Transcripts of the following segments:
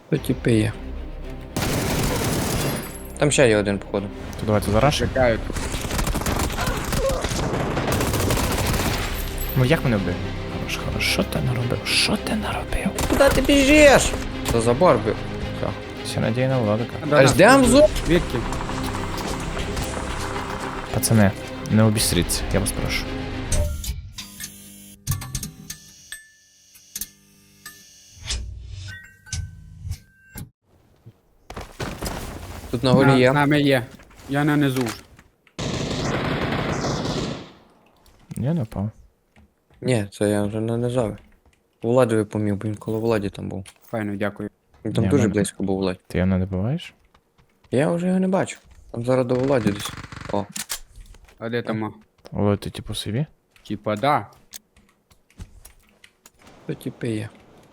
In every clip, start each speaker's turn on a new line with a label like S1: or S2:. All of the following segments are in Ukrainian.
S1: То типи є. Там ще є один, походу.
S2: То давайте зарашимо.
S3: Чекають.
S2: Ну як мене вбив? Хорош, хорош. Що ти наробив? Що ти наробив?
S1: Куди ти біжиш? За забор бив. Все.
S2: Все надій на Владика.
S1: Аж ждем зуб.
S3: Звідки?
S2: Пацани, не обістріться, я вас прошу.
S1: Тут на горі є.
S3: З нами є. Я на низу вже.
S2: Я не впав.
S1: Ні, це я вже не нажав. Владові помів, бо він коло Владі там був.
S3: Файно, дякую.
S1: Він там
S2: Ні,
S1: дуже
S2: мене-
S1: близько був Владі.
S2: Ти його не добиваєш?
S1: Я вже його не бачу. Там зараз до Владі десь. О.
S3: А де там?
S2: Олег, ти типу собі?
S3: Типа, да.
S1: То типи є.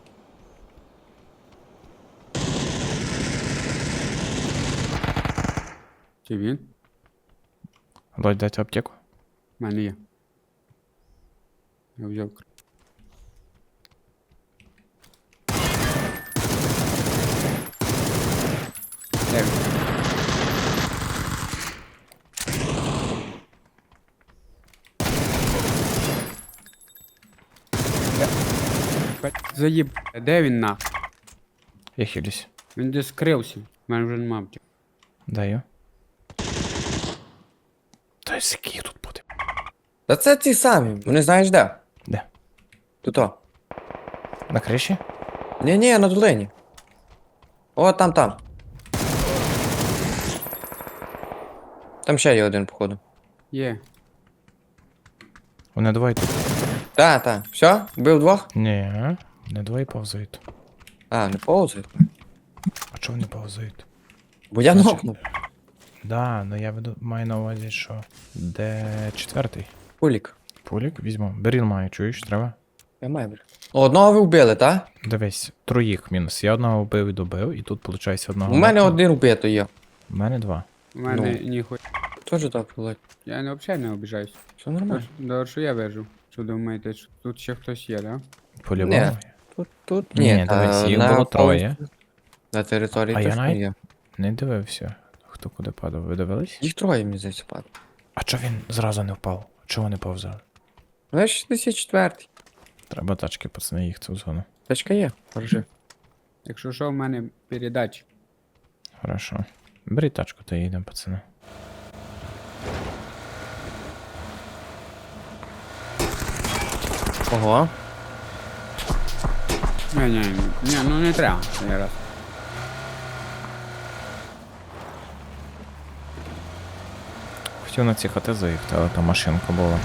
S3: Чи він?
S2: Олег, дайте аптеку.
S3: У мене є. Я взяв. Де він? Заїб. Де він на?
S2: Я хилюсь.
S3: Він десь скрився. У мене вже нема аптеки.
S2: Даю. Та який тут буде?
S1: Та це ті самі. Вони знаєш де?
S2: Де?
S1: Тут о.
S2: На криші?
S1: Ні, на долині. О, там. Там ще є один, походу.
S3: Є.
S2: Вони двоє тут.
S1: Та. Все? Вбив двох?
S2: Ні, не двоє повзають.
S1: А, не повзає.
S2: А чого вони повзають?
S1: Бо я
S2: Значить-
S1: нокнув.
S2: Да, ну я маю на увазі, що де четвертий?
S1: Пулік.
S2: Пулік візьму. Беріл маю, чуєш, треба?
S1: Я маю, бля. Одного ви вбили, та?
S2: Дивись, троїх мінус. Я одного вбив і добив, і тут, виходить, одного.
S1: У мене
S2: нокнув.
S1: один вбито є.
S2: У мене два.
S3: У мене
S1: Ну.
S3: ніхуя.
S1: Тоже так, Володь.
S3: Я взагалі не обіжаюсь.
S1: Все нормально.
S3: Добре, що я вижу. Що думаєте, що тут ще хтось є, да?
S2: По-любому.
S1: Тут
S2: Ні, дивись, їх було троє.
S1: На території
S2: А я
S1: точно
S2: навіть-
S1: є.
S2: Не дивився, хто куди падав. Ви дивились?
S1: Їх троє, мені здається, падає.
S2: А чого він зразу не впав? Чого не повзав?
S1: Ну, я 64-й.
S2: Треба тачки, пацани, їх цю зону.
S1: Тачка є, держи.
S3: Якщо що, в мене передач.
S2: Хорошо. Бери тачку та їдемо, пацани.
S1: Ого.
S3: Ні, ну не треба. Я раз.
S2: Хотів на ці хати заїхати, але там машинка була.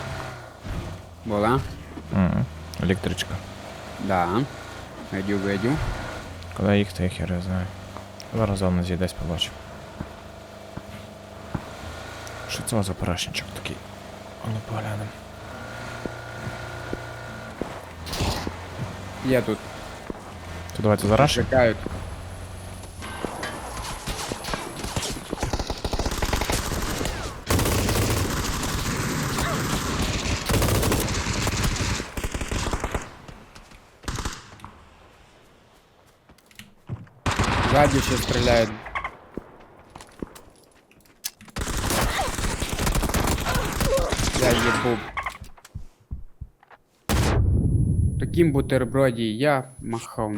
S3: Була?
S2: Електричка.
S3: Да. Видю.
S2: Куди їхати, я хер я знаю. Зараз зону з'їдесь побачу. Що це за парашничок такий? А ну поглянем.
S3: Є тут.
S2: То давайте зарашимо.
S3: Чекають. Ззаді ще стріляють. Я їбу. Таким бутерброді я махав.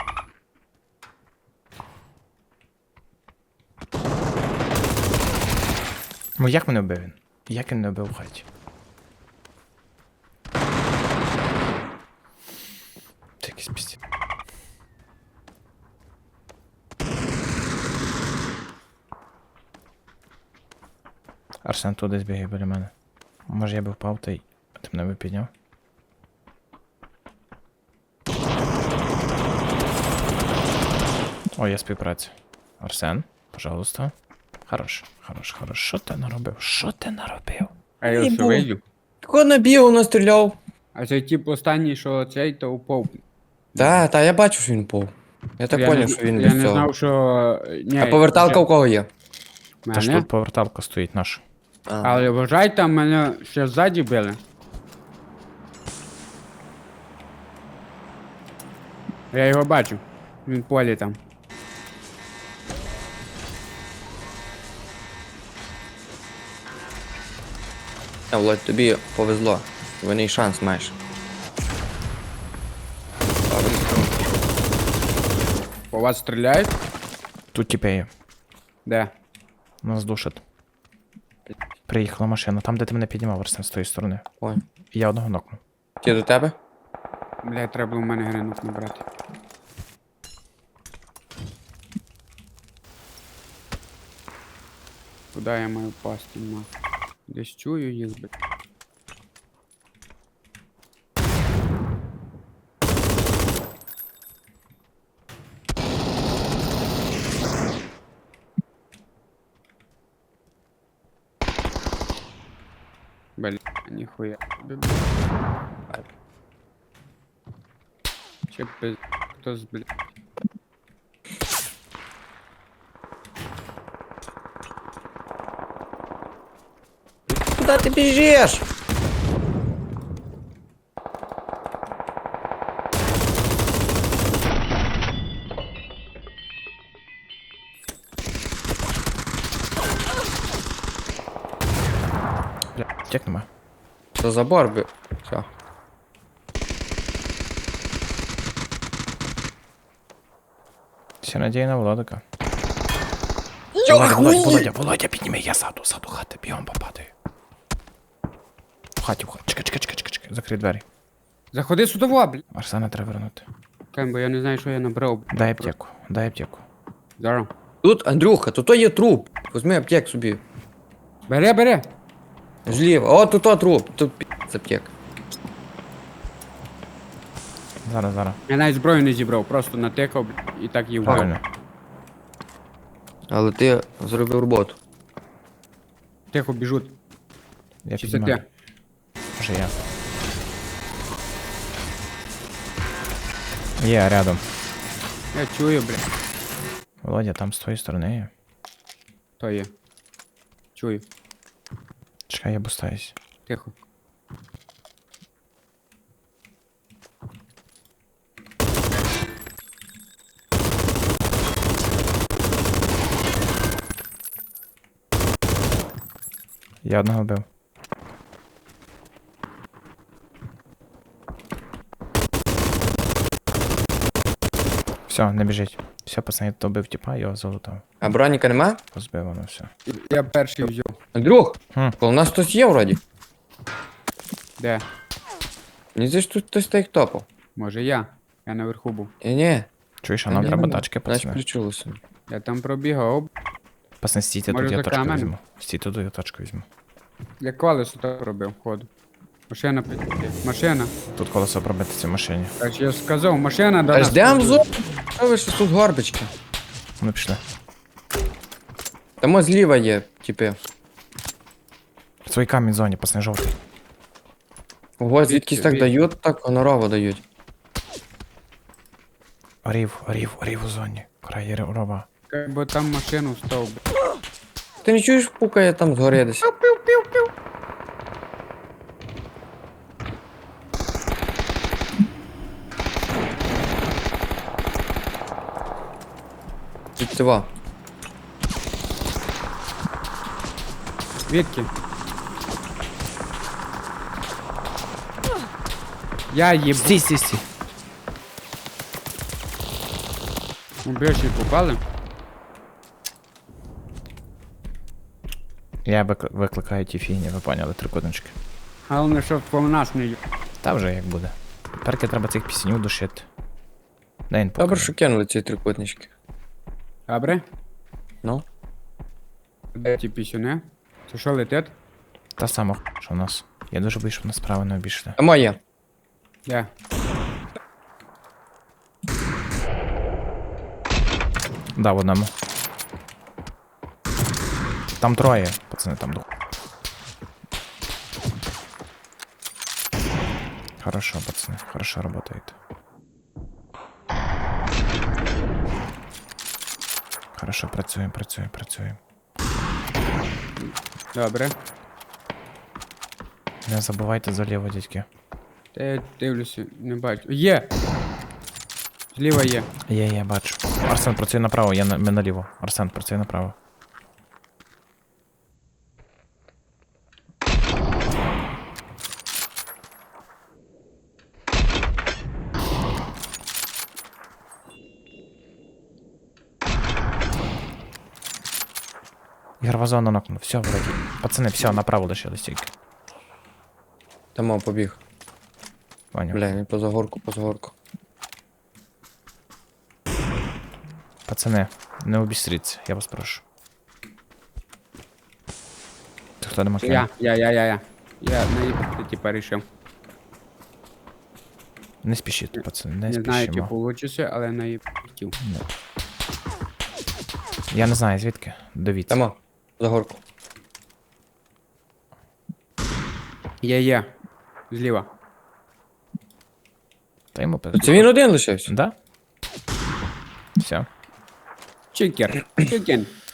S2: Ну як мене вбив він? Як він не вбив в хаті? Це якийсь пісті. Арсен тут десь бігає біля мене. Може я би впав, та й ти мене би підняв. О, є співпраця. Арсен, пожалуйста. Хорош. Що ти наробив? Що ти наробив?
S3: А я
S1: Ні,
S3: все
S1: бу.
S3: вийду.
S1: Такого набігав, настріляв.
S3: А цей тип останній, що цей, то упав.
S1: Та, я бачу, що він пов. Я так
S3: Я
S1: поняв,
S3: не-
S1: що він
S3: Я
S1: без
S3: не
S1: цього.
S3: знав, що... Ні,
S1: А поверталка у кого є?
S2: Та ж
S3: мене?
S2: тут поверталка стоїть наша.
S1: А.
S3: Але вважай, там мене ще ззаді били. Я його бачу. Він в полі там.
S1: Володь, тобі повезло. Вони шанс маєш.
S3: По вас стріляють?
S2: Тут тіпи є.
S3: Де?
S2: Нас душать. Приїхала машина. Там, де ти мене піднімав, Арсен, з тої сторони.
S1: Ой.
S2: І я одного нокнув.
S1: Ті до тебе?
S3: Блядь, треба було в мене гринук набрати. Куди я маю пасти, нахуй? Десь чую їх, блядь. Блядь, ніхуя. Че пиз... Хто з, блядь?
S1: Куди ти біжиш?
S2: Бля, тік нема.
S1: За забор би. Все.
S2: Вся надія на Володика.
S1: Йо,
S2: Володя, підніми, я ззаду хати, бігом попадаю. В хаті. Чекай, закрий двері.
S3: Заходи сюди, блядь.
S2: Арсена треба вернути.
S3: Кем, бо я не знаю, що я набрав. блядь.
S2: Дай аптеку.
S3: Зараз.
S1: Тут, Андрюха, тут є труп. Возьми аптек собі.
S3: Бери.
S1: Зліва. О, тут труп. Тут з аптек.
S2: Зараз.
S3: Я навіть зброю не зібрав, просто натикав, блядь, і так її вбив.
S2: Правильно.
S1: Але ти зробив роботу.
S3: Тихо біжуть.
S2: Я
S3: Чи це
S2: піднімаю.
S3: ти?
S2: Вже я. Є, рядом.
S3: Я чую, блядь.
S2: Володя, там з твоєї сторони є.
S3: То є. Чую.
S2: Чекай, я бустаюсь.
S3: Тихо.
S2: Я одного вбив. Все, не біжить. Все, пацани, то бив тіпа, його залутав.
S1: А броніка нема?
S2: Позбив воно все.
S3: Я перший взяв.
S1: Андрюх,
S2: Хм.
S1: у нас хтось є вроді.
S3: Де?
S1: Мені здається, тут хтось так топав.
S3: Може я? Я наверху був.
S1: Ні.
S2: Чуєш, а нам треба тачки,
S1: Значить,
S2: пацани.
S1: включилося.
S3: Я там пробігав.
S2: Пацани, стійте,
S3: Може,
S2: тут я
S3: за
S2: тачку
S3: каменем?
S2: візьму. Стійте, тут я тачку візьму.
S3: Я колесо так робив, ходу. Машина Машина.
S2: Тут колесо пробити в машині.
S3: Так ж я ж сказав, машина до
S1: Аж
S3: нас.
S1: ждем
S3: піде.
S1: зо. Що ви що тут горбички?
S2: Ну, пішли.
S1: Там ось зліва є, типи.
S2: В своїй камінь зоні, пацани, жовтий.
S1: Ого, звідкись так
S3: Від-
S1: дають, так гонорово дають.
S2: Орів у зоні. Край рова.
S3: Бо там машину став. блядь.
S1: Ти не чуєш, пукає там згори десь? Життєва.
S3: Звідки? Я їб...
S2: Стій.
S3: Убежі попали?
S2: Я викликаю ті фігні, ви поняли, трикутнички.
S3: Головне, щоб по нас не їб...
S2: Та вже як буде. Тепер треба цих пісенів душити. Дай він
S1: Добре,
S2: покаже.
S1: що кинули ці трикутнички.
S3: Добре?
S1: Ну.
S3: Де ті пісюни? Це що летить?
S2: Та сама, що у нас. Я дуже боюсь, щоб нас справа не обійшли.
S1: А моє.
S3: Де?
S2: Да, в одному. Там троє, пацани, там дух. Хорошо, пацаны, хорошо работает. Хорошо, працюємо.
S3: Добре.
S2: Не забувайте заліво, дядьки.
S3: Та я дивлюся, не бачу. Є! Зліва є.
S2: Є, бачу. Арсен, працює направо, ми наліво. Арсен, працює направо. Ігрова зона нокнув. Все, вроді. Пацани, все, направо лишились тільки.
S1: Там побіг.
S2: Поняв.
S1: Бля, він поза горку.
S2: Пацани, не обістріться, я вас прошу. Ти хто не макне?
S3: Я наїбати типа рішив.
S2: Не спішіть, пацани, не
S3: Не знаю, чи
S2: спішимо.
S3: получиться, але наїбатів.
S2: Я не знаю, звідки. Дивіться.
S1: Там за горку.
S3: Є. Зліва.
S2: Та йому
S1: Це він один лишився.
S2: Да? Все.
S3: Чикен.